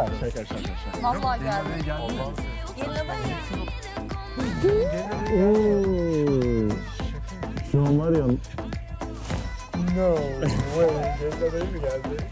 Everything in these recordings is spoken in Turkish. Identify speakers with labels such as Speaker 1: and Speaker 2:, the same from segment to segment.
Speaker 1: Vallahi geldi. Gelin adayı.
Speaker 2: Şu an var ya.
Speaker 3: No way. Gelin adayı mı geldi?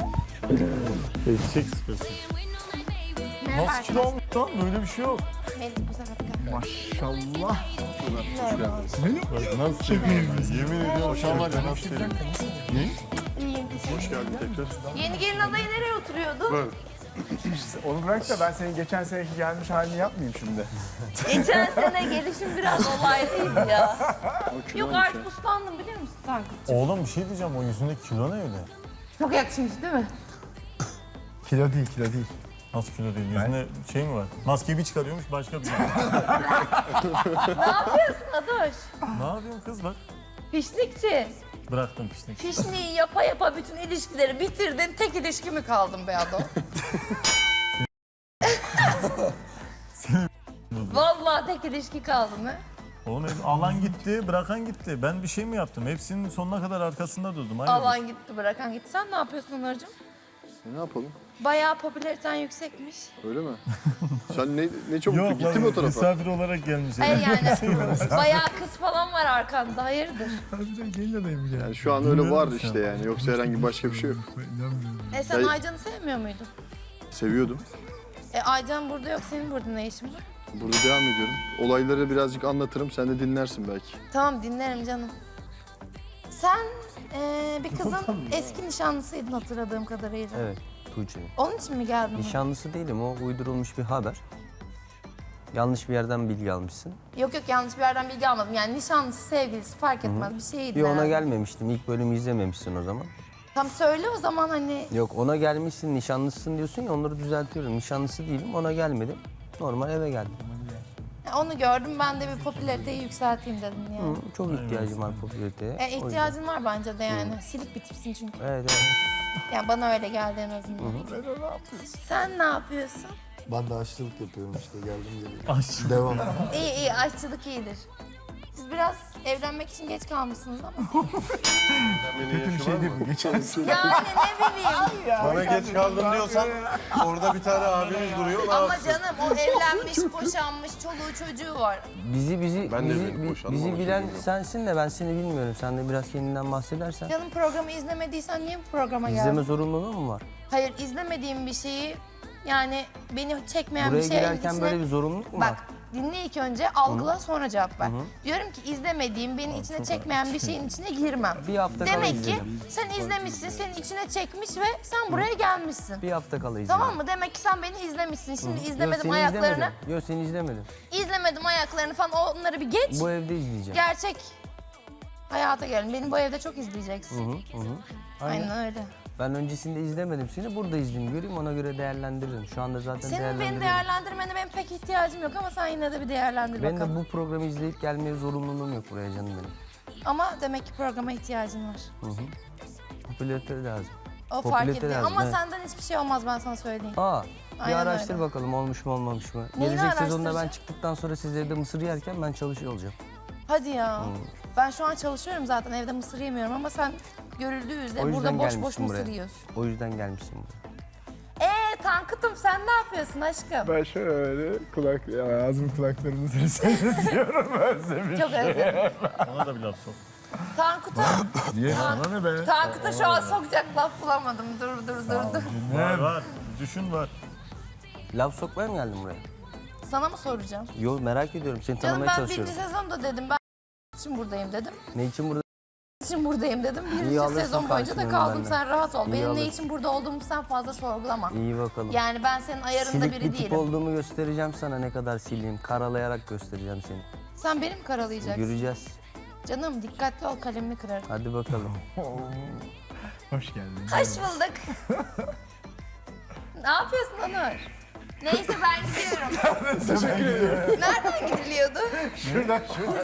Speaker 2: Eşek sıkıntı.
Speaker 1: Merhaba
Speaker 3: Nasıl kilo olmuş lan? Böyle bir şey yok.
Speaker 1: Melih bu sefer kalk.
Speaker 3: Maşallah.
Speaker 2: Nasıl seviyorum ben? Yemin ediyorum şu an var ya nasıl seviyorum.
Speaker 1: İyiyim.
Speaker 2: Hoş geldin tekrar.
Speaker 1: Yeni gelin adayı nereye oturuyordu?
Speaker 3: Onu bırak da ben senin geçen seneki gelmiş halini yapmayayım şimdi.
Speaker 1: Geçen sene gelişim biraz olaylıydı ya. Yok artık uslandım biliyor musun Tankut?
Speaker 2: Oğlum bir şey diyeceğim, o yüzündeki kilo ne öyle?
Speaker 1: Çok yakışmış değil mi?
Speaker 3: Kilo değil, kilo değil.
Speaker 2: Nasıl kilo değil? Yüzünde şey mi var? Maskeyi bir çıkarıyormuş başka bir şey.
Speaker 1: Ne yapıyorsun Adoş?
Speaker 2: Ne yapıyorsun kız bak?
Speaker 1: Fişlikçi.
Speaker 2: Bıraktım piştik.
Speaker 1: Fişliği yapa yapa bütün ilişkileri bitirdin. Tek ilişki mi kaldın be Ado? Vallahi tek ilişki kaldı mı?
Speaker 2: Oğlum hep alan gitti, bırakan gitti. Ben bir şey mi yaptım? Hepsinin sonuna kadar arkasında durdum. Hayır.
Speaker 1: Alan gitti bırakan gitti. Sen ne yapıyorsun Onurcuğum?
Speaker 4: Ne yapalım?
Speaker 1: Bayağı popülariten yüksekmiş.
Speaker 4: Öyle mi? Sen ne çabuk
Speaker 2: Yok
Speaker 4: gittin mi o tarafa?
Speaker 2: misafir olarak gelmiş.
Speaker 1: Hayır yani bayağı kız falan var arkanda. Hayırdır?
Speaker 3: Harbiden gelin adayı mı geldi?
Speaker 4: Yani şu an öyle var
Speaker 2: Bilmiyorum
Speaker 4: işte
Speaker 2: sen.
Speaker 4: yani. Yoksa herhangi başka bir şey yok.
Speaker 1: Sen
Speaker 4: Hayır.
Speaker 1: Aycan'ı sevmiyor muydun?
Speaker 4: Seviyordum.
Speaker 1: Aycan burada yok. Senin burada ne işin var?
Speaker 4: Burada devam ediyorum. Olayları birazcık anlatırım. Sen de dinlersin belki.
Speaker 1: Tamam dinlerim canım. Sen bir kızın eski nişanlısıydın hatırladığım kadarıyla.
Speaker 5: Evet, Tuğçe.
Speaker 1: Onun için mi geldin?
Speaker 5: Nişanlısı değilim, o uydurulmuş bir haber. Yanlış bir yerden bilgi almışsın.
Speaker 1: Yok yanlış bir yerden bilgi almadım. Yani nişanlısı, sevgilisi fark etmez bir şeydi.
Speaker 5: Bir ona
Speaker 1: herhalde.
Speaker 5: gelmemiştim, ilk bölümü izlememişsin o zaman.
Speaker 1: Tam söyle o zaman hani.
Speaker 5: Yok, ona gelmişsin, nişanlısın diyorsun ya, onları düzeltiyorum. Nişanlısı değilim, ona gelmedim. Normal eve geldim.
Speaker 1: Onu gördüm ben de bir popülariteyi yükselteyim dedim yani.
Speaker 5: Hı, çok ihtiyacım var popülariteye. O yüzden.
Speaker 1: İhtiyacın var bence de yani. Silik bir tipsin çünkü.
Speaker 5: Evet, evet.
Speaker 1: Yani bana öyle geldi en azından. Sen ne yapıyorsun?
Speaker 6: Ben de aşçılık yapıyorum işte geldim geliyorum.
Speaker 2: Aşçı.
Speaker 6: Devam.
Speaker 1: İyi aşçılık iyidir. Siz biraz evlenmek için geç kalmışsınız ama.
Speaker 3: Kötü bir şey değil bu. Geçen sene.
Speaker 1: Yani ne bileyim.
Speaker 6: Bana geç kaldım diyorsan orada bir tane abimiz duruyor.
Speaker 1: Ama canım o evlenmiş, boşanmış, çoluğu çocuğu var.
Speaker 6: Ben de evlenip boşandım
Speaker 5: bizi
Speaker 6: ama
Speaker 5: bilen
Speaker 6: bilmiyorum.
Speaker 5: sensin de ben seni bilmiyorum. Sen de biraz kendinden bahsedersen.
Speaker 1: Canım programı izlemediysen niye bu programa geldin?
Speaker 5: İzleme zorunluluğu mu var?
Speaker 1: Hayır izlemediğim bir şeyi yani beni çekmeyen
Speaker 5: Buraya
Speaker 1: bir şey
Speaker 5: girerken böyle bir zorunluluk mu var?
Speaker 1: Bak dinle ilk önce algıla sonra cevap ver. Diyorum ki izlemediğim, beni içine çekmeyen bir şeyin içine girmem.
Speaker 5: Bir hafta kala
Speaker 1: Demek ki
Speaker 5: izledim.
Speaker 1: sen izlemişsin, senin içine çekmiş ve sen buraya gelmişsin.
Speaker 5: Bir hafta kala izledim.
Speaker 1: Tamam mı? Demek ki sen beni izlemişsin. Şimdi
Speaker 5: Yok,
Speaker 1: izlemedim
Speaker 5: seni
Speaker 1: ayaklarını.
Speaker 5: izlemedim. Yok seni izlemedim.
Speaker 1: İzlemedim ayaklarını falan onları bir geç.
Speaker 5: Bu evde izleyeceğim.
Speaker 1: Gerçek hayata gelin. Beni bu evde çok izleyeceksin.
Speaker 5: Aynen.
Speaker 1: Aynen öyle.
Speaker 5: Ben öncesinde izlemedim seni. Burada izleyeyim, göreyim, ona göre değerlendiririm. Şu anda zaten
Speaker 1: Senin beni
Speaker 5: değerlendiriyorum.
Speaker 1: değerlendirmene benim pek ihtiyacım yok ama sen yine de bir değerlendir
Speaker 5: Benim
Speaker 1: bakalım.
Speaker 5: de bu programı izleyip gelmeye zorunluluğum yok buraya canım benim.
Speaker 1: Ama demek ki programa ihtiyacın var.
Speaker 5: Popülarite lazım.
Speaker 1: O fark
Speaker 5: Popülarite
Speaker 1: ediyor
Speaker 5: lazım,
Speaker 1: ama
Speaker 5: evet.
Speaker 1: senden hiçbir şey olmaz ben sana söyleyeyim.
Speaker 5: Aa, bir
Speaker 1: Aynen
Speaker 5: araştır
Speaker 1: öyle.
Speaker 5: bakalım olmuş mu olmamış mı?
Speaker 1: Neyini
Speaker 5: Gelecek sezonda ben
Speaker 1: araştıracağım?
Speaker 5: çıktıktan sonra siz evde mısır yerken ben çalışıyor olacağım.
Speaker 1: Hadi ya. Ben şu an çalışıyorum zaten evde mısır yemiyorum ama sen görüldüğü
Speaker 5: O
Speaker 1: üzere
Speaker 5: yüzden
Speaker 1: burada boş boş
Speaker 5: gelmişsin
Speaker 1: mısır
Speaker 5: buraya.
Speaker 1: yiyorsun.
Speaker 5: O yüzden gelmişsin buraya.
Speaker 1: Tankut'um sen ne yapıyorsun aşkım?
Speaker 3: Ben şöyle ağzımın kulaklarını seyrediyorum özlemiş.
Speaker 1: Çok özledim.
Speaker 2: Ona da bir laf sok.
Speaker 1: Tankut'a
Speaker 3: Niye? Sana ne be?
Speaker 1: Tankut'a şu an sokacak laf bulamadım. Dur.
Speaker 2: Var. Düşün var.
Speaker 5: Laf sokmaya mı geldin buraya?
Speaker 1: Sana mı soracağım?
Speaker 5: Yo, merak ediyorum, seni
Speaker 1: Canım
Speaker 5: tanımaya
Speaker 1: ben
Speaker 5: çalışıyorum.
Speaker 1: birinci sezonda dedim ben için buradayım dedim.
Speaker 5: Ne için burada?
Speaker 1: için buradayım dedim. Birinci
Speaker 5: alırsın
Speaker 1: sezon boyunca da
Speaker 5: karşılığını
Speaker 1: kaldım.
Speaker 5: benden.
Speaker 1: Sen rahat ol.
Speaker 5: İyi
Speaker 1: Benim ne
Speaker 5: alırsın.
Speaker 1: için burada olduğumu sen fazla sorgulama.
Speaker 5: İyi bakalım.
Speaker 1: Yani ben senin ayarında
Speaker 5: Silik
Speaker 1: biri
Speaker 5: bir tip
Speaker 1: değilim.
Speaker 5: olduğumu göstereceğim sana, ne kadar sileyim. Karalayarak göstereceğim seni.
Speaker 1: Sen beni mi karalayacaksın?
Speaker 5: Göreceğiz.
Speaker 1: Canım dikkatli ol kalemini kırarım.
Speaker 5: Hadi bakalım.
Speaker 3: Hoş geldin.
Speaker 1: Hoş bulduk. Ne yapıyorsun Onur? Neyse ben gidiyorum.
Speaker 3: Teşekkür ederim.
Speaker 1: Nereden gidiliyordu?
Speaker 3: Şuradan.